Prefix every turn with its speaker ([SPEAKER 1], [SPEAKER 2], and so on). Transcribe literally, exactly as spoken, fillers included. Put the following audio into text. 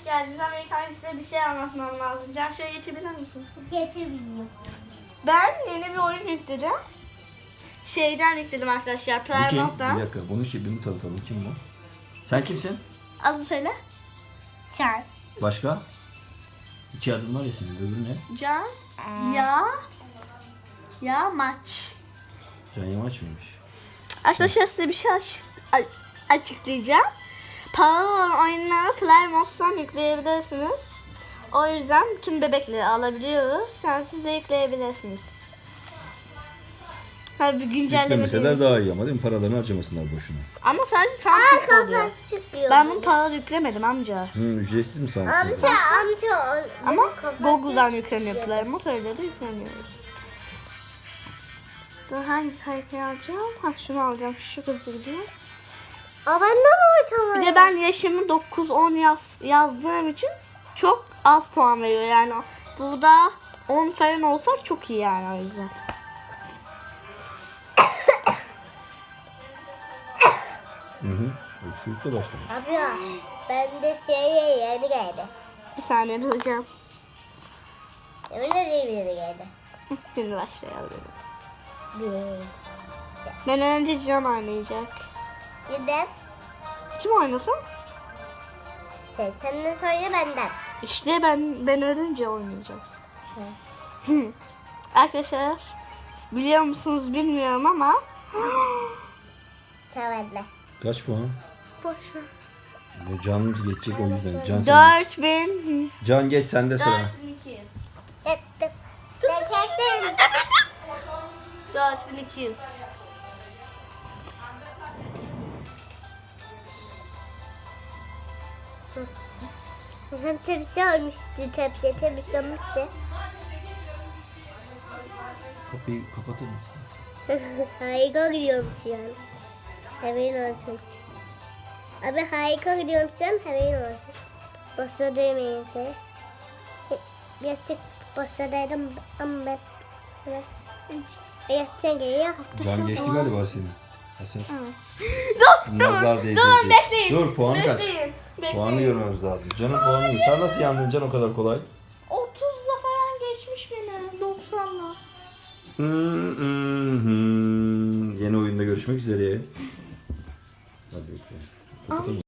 [SPEAKER 1] geldiniz. Ama ilk önce size bir şey anlatmam lazım. Can şöyle geçebilir misin?
[SPEAKER 2] Geçebiliyorum.
[SPEAKER 1] Ben yeni bir oyun yükledim. Şeyden yükledim arkadaşlar.
[SPEAKER 3] Bu kim? Bir
[SPEAKER 1] Playmout'tan.
[SPEAKER 3] dakika bunu kim? Bunu tanıtalım. Kim bu? Sen kimsin?
[SPEAKER 1] Adı söyle.
[SPEAKER 2] Sen.
[SPEAKER 3] Başka? İki adım var ya senin. Öbürü ne?
[SPEAKER 1] Can. Ya. Ya maç.
[SPEAKER 3] Can Yamaç mıymış?
[SPEAKER 1] Arkadaşlar size bir şey aç- a- açıklayacağım. Paralı olan oyunları Playmout'tan yükleyebilirsiniz. O yüzden tüm bebekleri alabiliyoruz. Sen siz de yükleyebilirsiniz. Tabii güncelleme
[SPEAKER 3] Yüklemeseler
[SPEAKER 1] değil.
[SPEAKER 3] daha iyi ama değil mi? Paralarını harcamasınlar boşuna.
[SPEAKER 1] Ama sadece soundtrack oluyor.
[SPEAKER 2] Kafa sıkıyor.
[SPEAKER 1] Ben bunu paralı yüklemedim amca.
[SPEAKER 3] Hı, ücretsiz mi sanırsın?
[SPEAKER 2] Amca amca.
[SPEAKER 1] Ama
[SPEAKER 2] kafası
[SPEAKER 1] Google'dan yükleniyor Playmout, öyle de yükleniyoruz. Dur, hangi kaykayı alacağım? Ha, şunu alacağım. Şu hızlı gidiyor.
[SPEAKER 2] Aa, ben de mi
[SPEAKER 1] Bir de ben yaşımı dokuz on yaz, yazdığım için çok az puan veriyor yani. Burada on falan olsa çok iyi yani, o yüzden.
[SPEAKER 3] Hı hı. Öksürükle başlamış.
[SPEAKER 2] Abla ben de şeye yeni geldi.
[SPEAKER 1] Bir saniye duracağım.
[SPEAKER 2] Yemin ederim yeni geldi.
[SPEAKER 1] Şimdi başlayalım.
[SPEAKER 2] Bir.
[SPEAKER 1] Ben önce Can oynayacak.
[SPEAKER 2] Neden?
[SPEAKER 1] Kim oynasın?
[SPEAKER 2] Sen senden sonra benden.
[SPEAKER 1] İşte ben ben ölünce oynayacağız.
[SPEAKER 2] Şey.
[SPEAKER 1] Arkadaşlar biliyor musunuz bilmiyorum ama
[SPEAKER 2] Sen benden.
[SPEAKER 3] Kaç puan?
[SPEAKER 1] boşver.
[SPEAKER 3] Ya Can geçecek o yüzden. Can, sen
[SPEAKER 1] dört bin
[SPEAKER 3] Can geç sende sıra.
[SPEAKER 1] dört bin iki yüz.
[SPEAKER 2] Ettim. Ben çektim.
[SPEAKER 1] dört bin iki yüz.
[SPEAKER 2] Hem tepsi olmuştu. Tepsi tepsi olmuştu.
[SPEAKER 3] Kapıyı kapatır mısın?
[SPEAKER 2] Harika gidiyorum şu an. Haberin olsun. Abi harika gidiyorum şu an. Haberin olsun. Boşta duymayın seni. Birazcık boşta dedim ama ben biraz yaşayan geliyor.
[SPEAKER 3] Can geçti galiba seni. Hasan.
[SPEAKER 1] Evet. Dur,
[SPEAKER 3] Nazar
[SPEAKER 1] dur,
[SPEAKER 3] değdi.
[SPEAKER 1] dur, bekleyin.
[SPEAKER 3] Dur, puanı kaç?
[SPEAKER 1] Bekleyin, bekleyin.
[SPEAKER 3] Puanı görmemiz lazım. Can'ın puanı iyi. Sen nasıl yandın Can o kadar kolay?
[SPEAKER 1] otuzla falan geçmiş beni, doksanla.
[SPEAKER 3] Hı hı hı. Yeni oyunda görüşmek üzere. Hadi bakalım. Kapatalım.